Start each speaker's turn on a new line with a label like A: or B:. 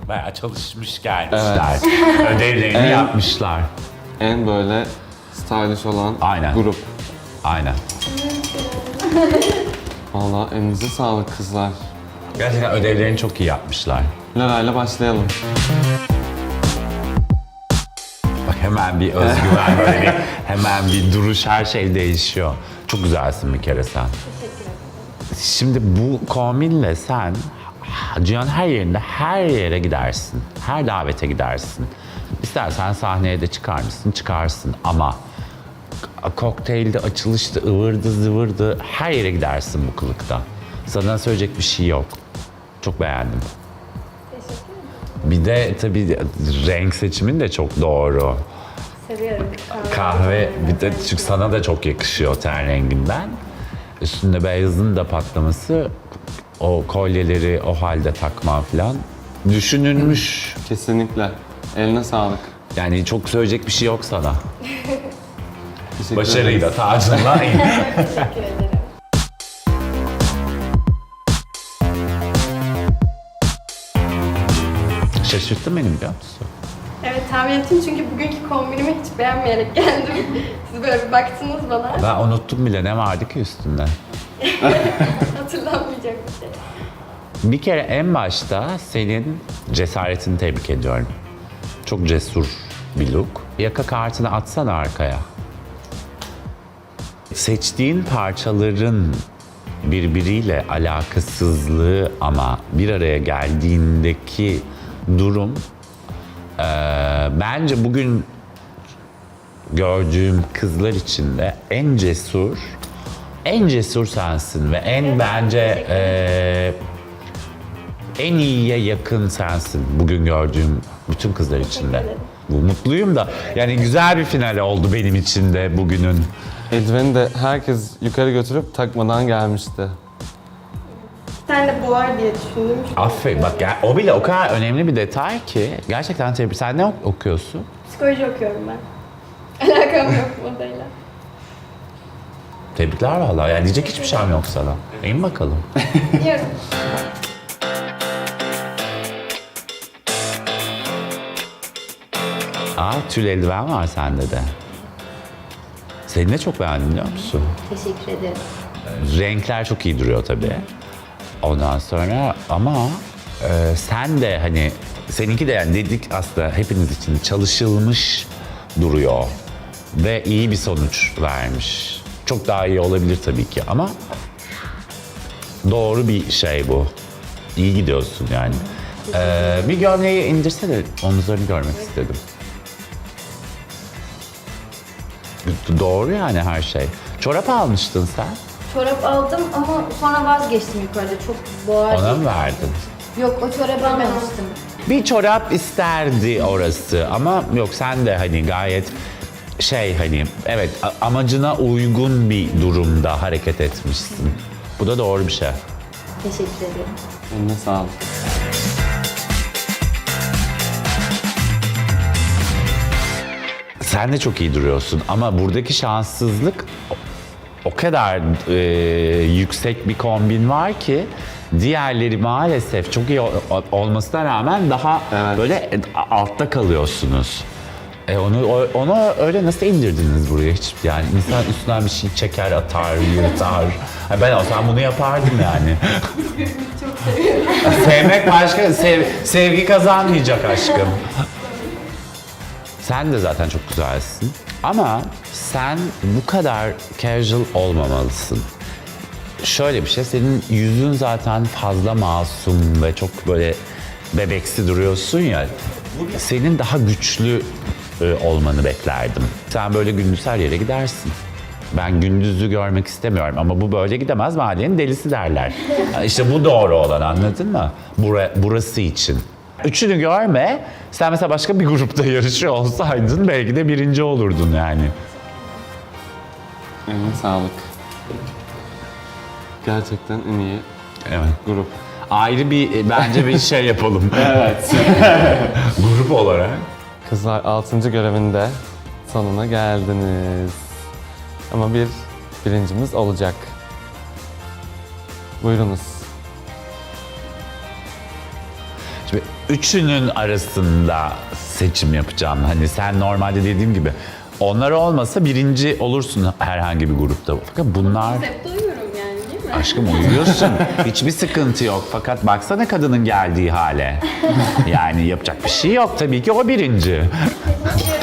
A: Bayağı çalışmış gelmişler. Ödevlerini yapmışlar.
B: En böyle stylish olan
A: Aynen.
B: grup.
A: Aynen.
B: Vallahi elinize sağlık kızlar.
A: Gerçekten ödevlerini çok iyi yapmışlar.
B: Lara'yla başlayalım.
A: Bak hemen bir özgüven, böyle bir, hemen bir duruş, her şey değişiyor. Çok güzelsin bir kere sen. Şimdi bu kombinle sen dünyanın her yerinde her yere gidersin. Her davete gidersin. İstersen sahneye de çıkar mısın? Çıkarsın ama kokteylde, açılışta, ıvırdı zıvırdı her yere gidersin bu kılıkta. Sana söyleyecek bir şey yok. Çok beğendim. Bir de tabii renk seçimin de çok doğru.
C: Seviyorum.
A: Kahve, bir de çünkü sana da çok yakışıyor ten renginden. Üstünde beyazın da patlaması, o kolyeleri o halde takman falan düşünülmüş.
B: Kesinlikle. Eline sağlık.
A: Yani çok söyleyecek bir şey yok sana.
B: Teşekkür
A: Başarıyı da
B: ederiz.
A: tacınla in.
C: Teşekkür ederim.
A: Şaşırttın beni biliyor musun?
C: Evet tahmin ettim çünkü bugünkü kombinimi hiç beğenmeyerek geldim. Siz böyle bir baktınız bana.
A: Ben unuttum bile ne vardı ki üstünde.
C: Hatırlanmayacak bir şey.
A: Bir kere en başta senin cesaretini tebrik ediyorum. Çok cesur bir look. Yaka kartını atsana arkaya. Seçtiğin parçaların birbiriyle alakasızlığı ama bir araya geldiğindeki durum bence bugün gördüğüm kızlar içinde en cesur sensin ve en bence en iyiye yakın sensin bugün gördüğüm bütün kızlar içinde. Bu mutluyum da yani güzel bir final oldu benim için de bugünün.
B: Eldiveni de herkes yukarı götürüp takmadan gelmişti.
C: Bir tane de boğar diye düşündüm.
A: Aferin bak ya, o bile o kadar önemli bir detay ki gerçekten tebrik. Sen ne okuyorsun?
C: Psikoloji okuyorum ben. Alakam yok modayla.
A: Tebrikler vallahi. Yani diyecek hiçbir şeyim yok sana. İn bakalım.
C: Biliyorum.
A: Tül eldiven var sende de. Seni de çok beğendim biliyor musun?
C: Teşekkür ederim.
A: Renkler çok iyi duruyor tabii. Ondan sonra ama sen de hani seninki de yani dedik aslında hepiniz için çalışılmış duruyor. Ve iyi bir sonuç vermiş. Çok daha iyi olabilir tabii ki ama doğru bir şey bu. İyi gidiyorsun yani. Bir gömleği indirsene, omuzlarını görmek istedim. Doğru yani her şey. Çorap almıştın sen.
D: Çorap aldım ama sonra vazgeçtim yukarıda. Çok boğar.
A: Ona mı verdin?
D: Yok o çorabı almamıştım.
A: Bir çorap isterdi orası ama yok sen de hani gayet hani evet amacına uygun bir durumda hareket etmişsin. Bu da doğru bir şey.
D: Teşekkür ederim.
B: Eline sağlık.
A: Sen de çok iyi duruyorsun ama buradaki şanssızlık o kadar yüksek bir kombin var ki diğerleri maalesef çok iyi olmasına rağmen daha
B: Evet.
A: böyle altta kalıyorsunuz. Onu öyle nasıl indirdiniz buraya hiç? Yani insan üstünden bir şey çeker, atar, yırtar. Ha, ben olsam bunu yapardım yani.
C: Çok seviyorum.
A: Sevmek başka, sevgi kazanmayacak aşkım. Sen de zaten çok güzelsin. Ama sen bu kadar casual olmamalısın. Şöyle bir şey, senin yüzün zaten fazla masum ve çok böyle bebeksi duruyorsun ya. Senin daha güçlü olmanı beklerdim. Sen böyle gündüz her yere gidersin. Ben gündüzü görmek istemiyorum ama bu böyle gidemez, mahallenin delisi derler. İşte bu doğru olan, anladın mı? Burası için. Üçünü görme. Sen mesela başka bir grupta yarışıyor olsaydın belki de birinci olurdun yani.
B: Eline sağlık. Gerçekten en iyi
A: Evet.
B: grup.
A: Ayrı bir bence bir şey yapalım. Evet. Grup olarak.
B: Kızlar 6. görevinde sonuna geldiniz. Ama bir birincimiz olacak. Buyurunuz.
A: Şimdi üçünün arasında seçim yapacağım. Hani sen normalde dediğim gibi onlar olmasa birinci olursun herhangi bir grupta. Fakat bunlar...
C: Konsepte uyuyorum yani değil mi?
A: Aşkım uyuyorsun. Hiçbir sıkıntı yok. Fakat baksana kadının geldiği hale. Yani yapacak bir şey yok. Tabii ki o birinci.
D: Teşekkür